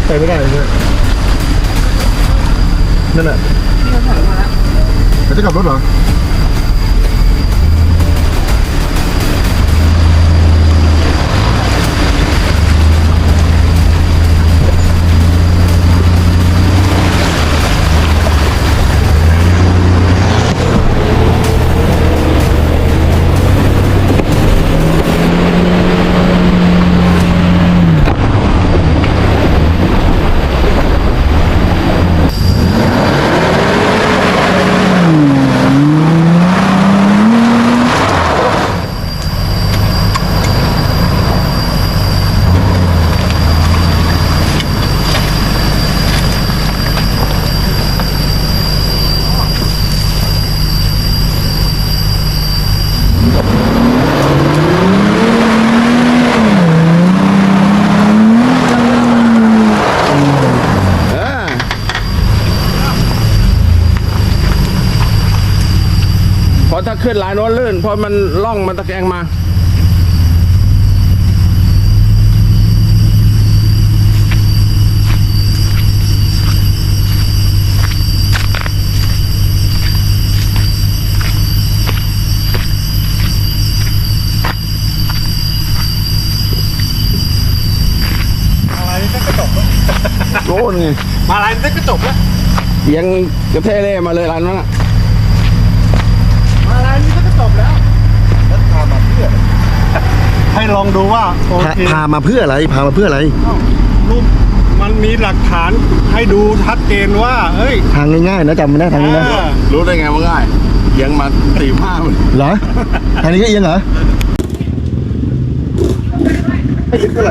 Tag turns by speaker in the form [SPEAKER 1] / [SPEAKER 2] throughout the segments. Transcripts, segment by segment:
[SPEAKER 1] ไปไม่ได้เลยเนี่ยนั่นแหละนี่เขาถอยมาแล้วจะกลับรถเหรอ
[SPEAKER 2] ถ้าขึ้นลายโน้นลื่นเพราะมันล่องมันตะแกรงมา
[SPEAKER 1] อะไรนี่ก็จบแล้ว
[SPEAKER 2] โน่นไง
[SPEAKER 1] มาอะไรนี่ก็จบแล้ว
[SPEAKER 2] ยังกระเทเล่มาเลยร้านนั้นอ่ะ
[SPEAKER 1] มาอะไรนี่ก็จบแล้วแล้วพามาเพื่อให้ลองดูว่าโอเคพามาเพื่ออะไรพามาเพื่ออะไรรูปมันมีหลักฐานให้ดูชัดเจนว่าเฮ้ยทางง่ายๆนะจำไม่ได้ทางนี้นะ
[SPEAKER 2] รู้ได้ไงว่าง่ายเอียงมา45เลย
[SPEAKER 1] เหรอทางนี้ก็เอียงเหรอไม่ยึดเท่าไหร่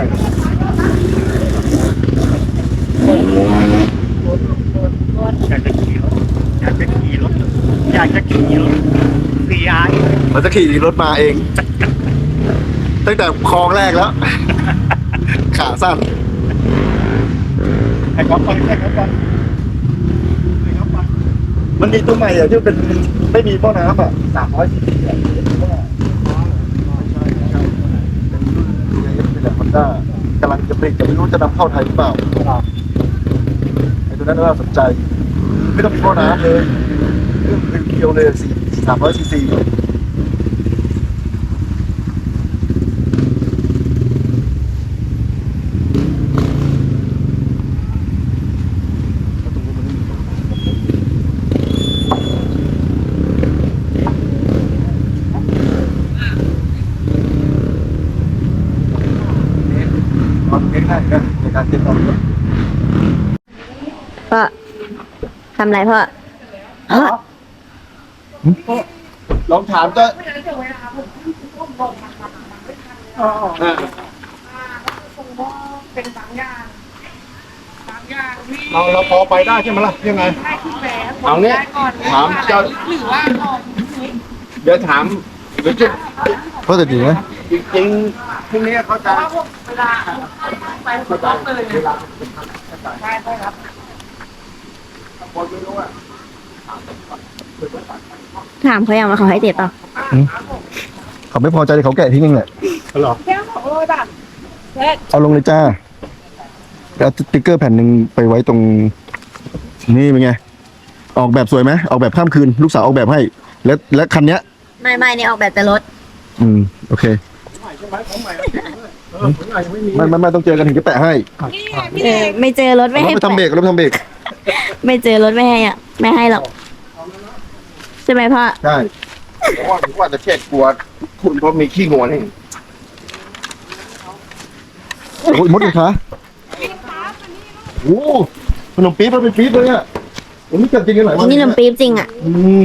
[SPEAKER 1] อยากจะขี่รถCI มันจะขี่รถมาเองตั้งแต่คลองแรกแล้วขาสั้นไอ้ก๊อฟไปมันมีตัวใหม่อ่ะที่เป็นไม่มีพ่อน้ำอ่ะ300 ccเป็นรุ่นเป็นแบบฮอนด้ากำลังจะผลิตแต่ไม่รู้จะนำเข้าไทยหรือเปล่าไอ้ตัวนั้นน่าสนใจไม่ต้องมีพ่อน้ำเลยเรื่องเพียวเลย300 cc
[SPEAKER 3] พ่อทำไรพ่อ
[SPEAKER 1] ลองถามก็
[SPEAKER 4] เป็นบางอย่าง
[SPEAKER 1] เราพอไปได้ใช่ไหมล่ะยังไง
[SPEAKER 2] เอาเนี้ยถามเจ้า
[SPEAKER 4] หรือว่า
[SPEAKER 2] เดี๋ยวถามเดี๋ยวจะ
[SPEAKER 1] เพราะแต่จริงไหม
[SPEAKER 2] จริงพรุ่งนี้เขาจะ
[SPEAKER 4] เวลาไปหัวต้นเลยใช่ครับ
[SPEAKER 3] ถามเขายังว่าเขาให้เจ็บเปล่า
[SPEAKER 1] เขาไม่พอใจเขาแกะทิ้งเองแหละหรอ
[SPEAKER 4] แค่200 บาท
[SPEAKER 1] เอาลงเลยจ้าแล้วสติ๊กเกอร์แผ่นหนึ่งไปไว้ตรงนี่เป็นไงออกแบบสวยไหมออกแบบข้ามคืนลูกสาวออกแบบให้และคันเนี้ย
[SPEAKER 3] ไม่เนี่ยออกแบบแต่รถ
[SPEAKER 1] โอเคไม่ต้องเจอกันถึงจะแปะให้
[SPEAKER 3] ไม่เจอรถไม่ให้
[SPEAKER 1] ทำเบรกรถทำเบรก
[SPEAKER 3] ไม่เจอรถไม่ให้ไม่ให้หรอกใช่ไหมพ่อ
[SPEAKER 1] ใช่
[SPEAKER 2] เพราะว่าจะเช็ดกลัวคุณเพราะมีขี้งัวนี่
[SPEAKER 1] โอ้ยมดเลยคะโอ้ขนมปี๊บมันเป็นปี๊บเลยอ่ะผมไม่เกิดจริงกันหลายวัน
[SPEAKER 3] นี่ขนมปี๊บจริงอ่ะ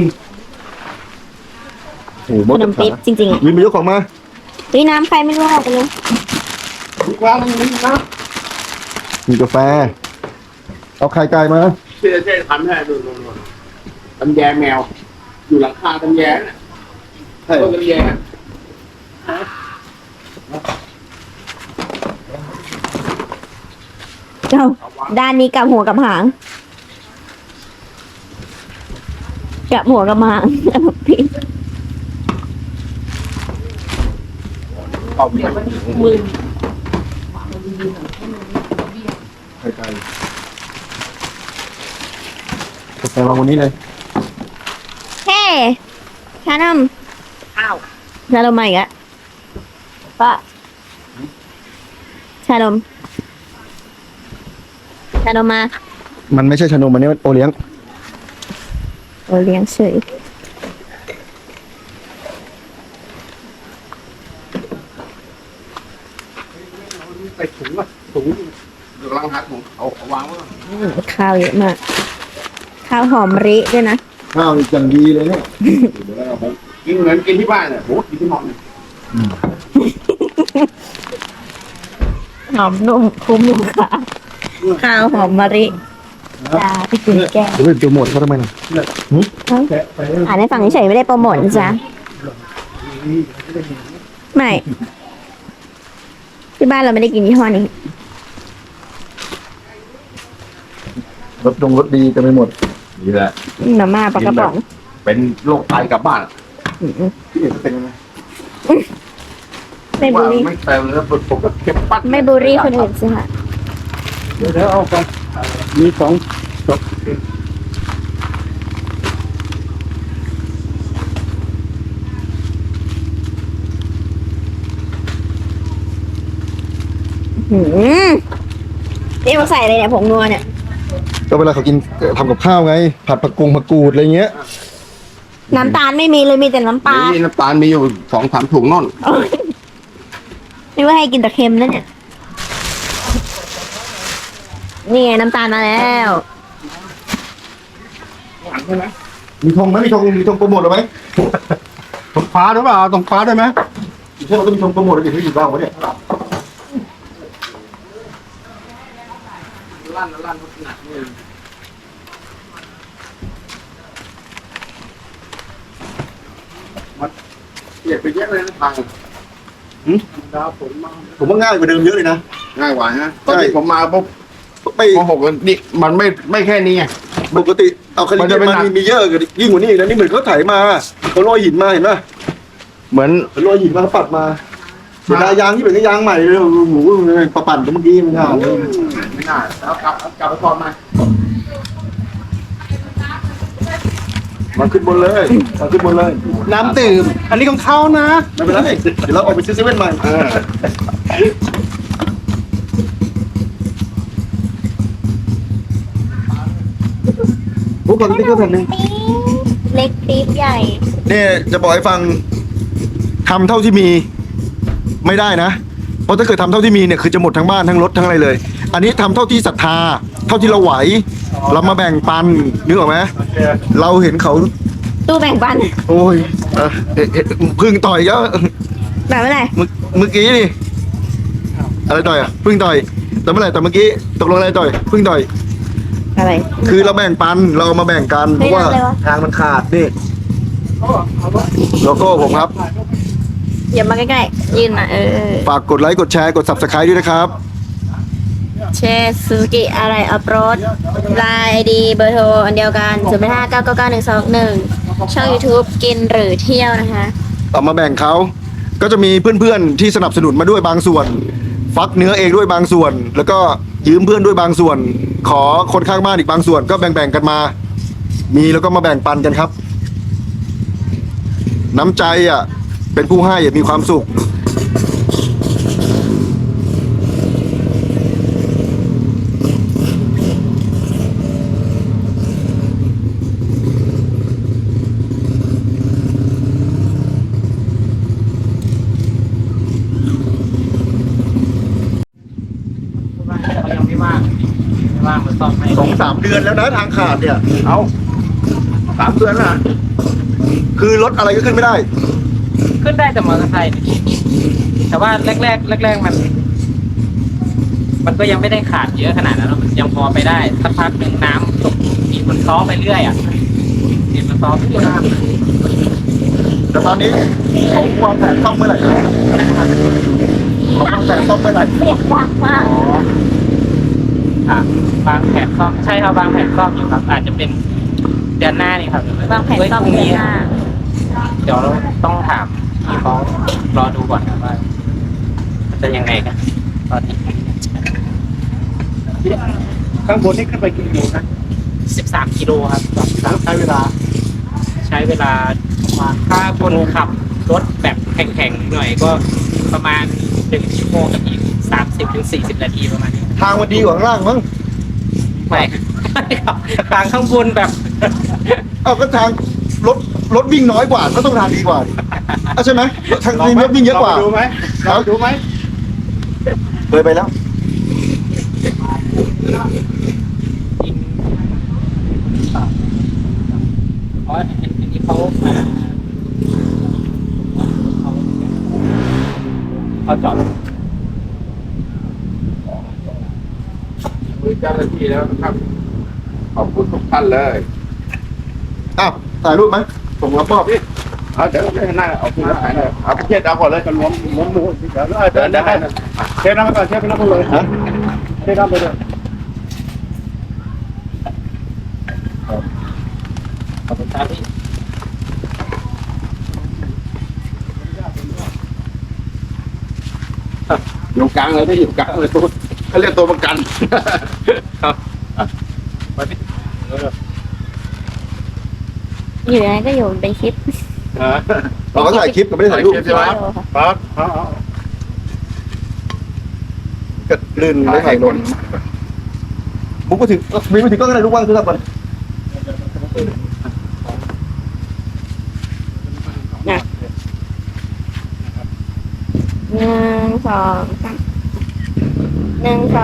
[SPEAKER 3] ขนมปี๊บจริงๆอ่ะ
[SPEAKER 1] วินไปยกของมา
[SPEAKER 3] น้ำใครไม่รู้ออกไปเลย
[SPEAKER 1] วางนี่นะมีกาแฟเอาไข่ไก่มา
[SPEAKER 2] เช่ทำให้ดูตำแยแมวอยู่หลังคาตำแยน่ะต้นตำแย
[SPEAKER 3] เจ้าด้านนี้กับหัวกับหางกับหัวกับหางพี่
[SPEAKER 2] เอาเบียร์มือ
[SPEAKER 1] ไข่ไก่กาแฟวางวันนี้เลย
[SPEAKER 3] เฮ้ชานม
[SPEAKER 4] ข้าว
[SPEAKER 3] ชานมมาอีกแล้วป้าชานมชานมมา
[SPEAKER 1] มันไม่ใช่ชานมมันนี่มันโอเลี้ยง
[SPEAKER 3] โอเลี้ยงเฉย
[SPEAKER 2] ไปถุงอ่ะถุงเดี๋ยวกำลังหาถุงเอาวางไว้ก่อน
[SPEAKER 3] ข้าวเยอะมาก ข้าวหอมมะลิด้วยนะ
[SPEAKER 1] ข้าวอีกอย่างดีเลยเนี่ย
[SPEAKER 2] กินเหมือนกินที่บ้านเนี่ยโหกินที่นอนเนี่ย
[SPEAKER 3] หอมนุ่มคุ้มลูกค้าข้าวหอมมะลิจ้าพี่กินแก้ว
[SPEAKER 1] เดี๋ยวไปดูหมดเขาทำไมน่ะ
[SPEAKER 3] อ่านให้ฟังเฉยๆไม่ได้โปรโมทนะจ๊ะไม่ที่บ้านเราไม่ได้กินยี่ห้อนี้
[SPEAKER 1] รถดีจะไม่หมด
[SPEAKER 2] นี่แหละ
[SPEAKER 3] มาม่าปลากระป๋อง
[SPEAKER 2] เป็นโรคไตกลับบ้าน
[SPEAKER 3] อืม
[SPEAKER 1] ที่เห็นเป็นยังไง
[SPEAKER 3] ไม่บูลลี่
[SPEAKER 2] ไม่เต็มแล้วผมก็เก็บปัด
[SPEAKER 3] ไม่บูลลี่คนอื่นสิค่ะ
[SPEAKER 1] เดี๋ยวเอาไปมีสองจบ
[SPEAKER 3] นี่มาใส่อะไรเนี่ยผงนัวเนี่ย
[SPEAKER 1] ก็เวลาเขากินทำกับข้าวไง ผัดผักกูดอะไรเงี้ย
[SPEAKER 3] น้ำตาลไม่มีเลยมีแต่น้ำปลา
[SPEAKER 2] นี่น้ำตาลมีอยู่2-3 ถุงนอน
[SPEAKER 3] นี่ว่าให้กินแต่เค็มนั่นเนี่ยนี่ไงน้ำตาลมาแล้ว
[SPEAKER 1] มีธงไหมมีธงโปรโมทหรือไหม
[SPEAKER 2] ตรงฟ้าหรือเปล่าตรงฟ้าด้วยไหม
[SPEAKER 1] ใช่เราก็มีธงโปรโมทอะไรที่อยู่บ้างวะเนี่ย
[SPEAKER 2] ลั่นหนักเลยมันเปลี่ยนไปเยอะเลยนะทางดาวฝนมา
[SPEAKER 1] ผมว่าง่ายกว่าเดิมเยอะเลยนะ
[SPEAKER 2] ง่ายกว่าฮะตอนที่ผมมาปุ๊บ
[SPEAKER 1] ไป
[SPEAKER 2] ม.6นี่มันไม่แค่นี้ไง
[SPEAKER 1] ปกติเอาคดี
[SPEAKER 2] มันจะเป็นหนัก
[SPEAKER 1] มีเยอะกว่ายิ่งกว่านี้อีกนะนี่เหมือนเขาไถมาเขาลอยหินมาเห็นป่ะ
[SPEAKER 2] เหมือน
[SPEAKER 1] เขาลอยหินมาเขาปัดมาเสียดายยางที่เป็นยางใหม่เลยโอ้โหประปั่นเมื่อกี้มันห่าเลย
[SPEAKER 2] ไม่น่าเอากลับไปก่อนมา
[SPEAKER 1] มาขึ้นบนเลยมาขึ้นบนเลย
[SPEAKER 2] น้ำดื่มอันนี้ของเขานะ
[SPEAKER 1] ไม่เป็นไรเดี๋ยวเราออกไปซื้อเซเว่นใหม่โอ้ก่อนที่ก็แผ่นหนึ่ง
[SPEAKER 3] เล็กปี๊บใหญ่
[SPEAKER 1] เนี่ยจะบอกให้ฟังทำเท่าที่มีไม่ได้นะ เพราะถ้าเกิดทำเท่าที่มีเนี่ยคือจะหมดทั้งบ้านทั้งรถทั้งอะไรเลย อันนี้ทำเท่าที่ศรัทธา เท่าที่เราไหว เรามาแบ่งปันนึกออกไหมเราเห็นเขา
[SPEAKER 3] ตู้แบ่งปัน
[SPEAKER 1] โอ้ยพึ่งต่อยเยอะ
[SPEAKER 3] แบบเมื่อไหร่
[SPEAKER 1] เมื่อกี้นี่อะไรต่อยอ่ะพึ่งต่อยแต่เมื่อไหร่แต่เมื่อกี้ตกลงอะไรต่อยพึ่งต่อย
[SPEAKER 3] อะไร
[SPEAKER 1] คือเราแบ่งปันเราเอามาแบ่งกันเพ
[SPEAKER 3] เฮ้ย
[SPEAKER 1] ราะว่า
[SPEAKER 3] อะไรวะ
[SPEAKER 1] ทางมันขาดนี่โลโก้ผมครับ
[SPEAKER 3] อย่ามาใกล้ๆยืนมา
[SPEAKER 1] ฝากกดไลค์กดแชร์กด subscribe ด้วยนะครับ
[SPEAKER 3] แชร์ซูซูกิอะไรอัพโรดไลน์ไอดีเบอร์โทรอันเดียวกัน089999121ช่อง YouTube กินหรือเที่ยวนะคะ
[SPEAKER 1] เอามาแบ่งเขาก็จะมีเพื่อนๆที่สนับสนุนมาด้วยบางส่วน ฟักเนื้อเองด้วยบางส่วน แล้วก็ยืมเพื่อนด้วยบางส่วน ขอคนข้างบ้านอีกบางส่วนก็แบ่งๆกันมา มีแล้วก็มาแบ่งปันกันครับ น้ำใจอ่ะเป็นผู้ให้มีความสุข
[SPEAKER 4] ยังไม่ว่างมาซ่อมให้
[SPEAKER 1] 2-3 เดือนแล้วนะทางขาดเนี่ย
[SPEAKER 2] เอา3 เดือนนะ
[SPEAKER 1] คือรถอะไรก็ขึ้นไม่ได้
[SPEAKER 4] ขึ้นได้แต่มอเตอร์ไซค์แต่ว่าแรกมันก็ยังไม่ได้ขาดเยอะขนาดนั้นหรอกมันยังพอไปได้สักพักหนึ่งน้ำตกดินมันซ้อไปเรื่อยอ่ะดินมันซ้อไปเรื่อย
[SPEAKER 1] แต่ตอนนี้เขาวางแผนซ่อมเมื่อไหร่เขาวางแผนซ่อมเมื่อไหร่
[SPEAKER 3] เสียงดังมาก
[SPEAKER 4] ค่ะวางแผนซ่อมใช่ครับวางแผนซ่อมอยู่ครับอาจจะเป็นเดือนหน้านี่ครับ
[SPEAKER 3] วางแผนซ่อม
[SPEAKER 4] พรุ่ง
[SPEAKER 3] เดือน
[SPEAKER 4] นี้
[SPEAKER 3] หน้า
[SPEAKER 4] เดี๋ยวเราต้องถามพี่เขารอดูก่อนครับว่าจะยังไงกันตอนนี้
[SPEAKER 1] ข้างบนนี่ขึ้นไปกี่กิโลนะ
[SPEAKER 4] 13 กิโลครับ
[SPEAKER 1] แล้วใช้เวลา
[SPEAKER 4] ใช้เวลาประมาณถ้าคนขับรถแบบแข่งๆหน่อยก็ประมาณ1 ชั่วโมงกับอีก30 ถึง 40 นาทีประมาณนี้
[SPEAKER 5] ทางมันดีกว่าข้างล่างมั้ง
[SPEAKER 4] ไม่ไม่ครับทางข้างบนแบบ
[SPEAKER 5] เอาก็ทางรถวิ่งน้อยกว่าก็ต้องทางดีกว่าดิใช่ไหมทางรถวิ่งเยอะกว่า
[SPEAKER 1] ดูไหมเราดูไหม
[SPEAKER 5] เคยไปแล้ว
[SPEAKER 4] เพราะอันนี้เขาจอด
[SPEAKER 2] มือเจ้าหน้าที่แล้วนะครับ ขอบคุณทุกท่านเลย
[SPEAKER 5] อ้าวถ่ายรูปไหมส่งมาป้อบพี่
[SPEAKER 2] เอาเดี๋ยวไม่น่าเอาคุณถ่ายเลยเอาไปเช็ดเอาก่อนเลยกันล้มมือเดี๋ยวเดินได้
[SPEAKER 1] เชฟน้ำไปก่อนเชฟน้ำไปเลย
[SPEAKER 5] ฮะ
[SPEAKER 1] เชฟน้ำไปเลย
[SPEAKER 4] ขอบคุณครับพี่
[SPEAKER 2] อยู่กลางเลยที่อยู่กลางเลยตัวเขาเรียกตัวประกัน
[SPEAKER 4] ครับไปพี่
[SPEAKER 3] อยู่ยังไงก็อยู่เป็นคลิป
[SPEAKER 5] เราก็ถ่ายคลิปก็ไม่ได้ถ่ายรูป
[SPEAKER 2] ใช่ไหม
[SPEAKER 1] ครับเอา
[SPEAKER 5] ก็ลื่นไม่ถ่ายลงมุกมาถึงมีมาถึงก็ได้รูปว่างคือครับมัน
[SPEAKER 3] 1 2 3 1 2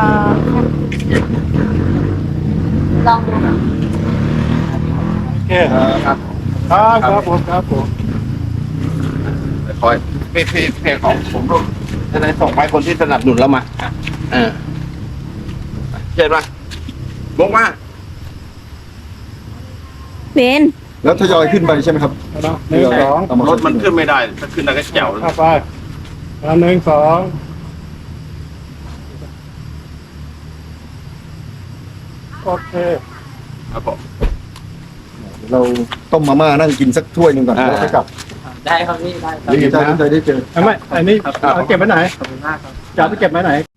[SPEAKER 3] 3ลองดูค่ะ
[SPEAKER 1] โอเคครับผมครับผม
[SPEAKER 2] คอยเพจของผมรูปจะได้ส่งไปคนที่สนับสนุนเรามาเช็ดมาลงมา
[SPEAKER 3] เป็น
[SPEAKER 5] แล้วทยอยขึ้นไปใช่ไหมครับ
[SPEAKER 1] หนึ่งสอง
[SPEAKER 5] เอามาร
[SPEAKER 2] ถมันขึ้นไม่ได้ ถ้าขึ้นได้ก็แจ๋วเลย
[SPEAKER 1] เข้าไปหนึ่งสองโอเค
[SPEAKER 2] ครับผม
[SPEAKER 5] เราต้มมาม่านั่งกินสักถ้วยหนึ่งก่อนแล้วค่อยกลับ
[SPEAKER 4] ได้ครับพี่ได้ครับ
[SPEAKER 5] ดีใจที่ได้เจอ
[SPEAKER 1] ไม่อันนี้เอาเก็บไว้ไหน
[SPEAKER 4] ขอบคุณมากครับ
[SPEAKER 1] จะเอาไปเก็บไว้ไหน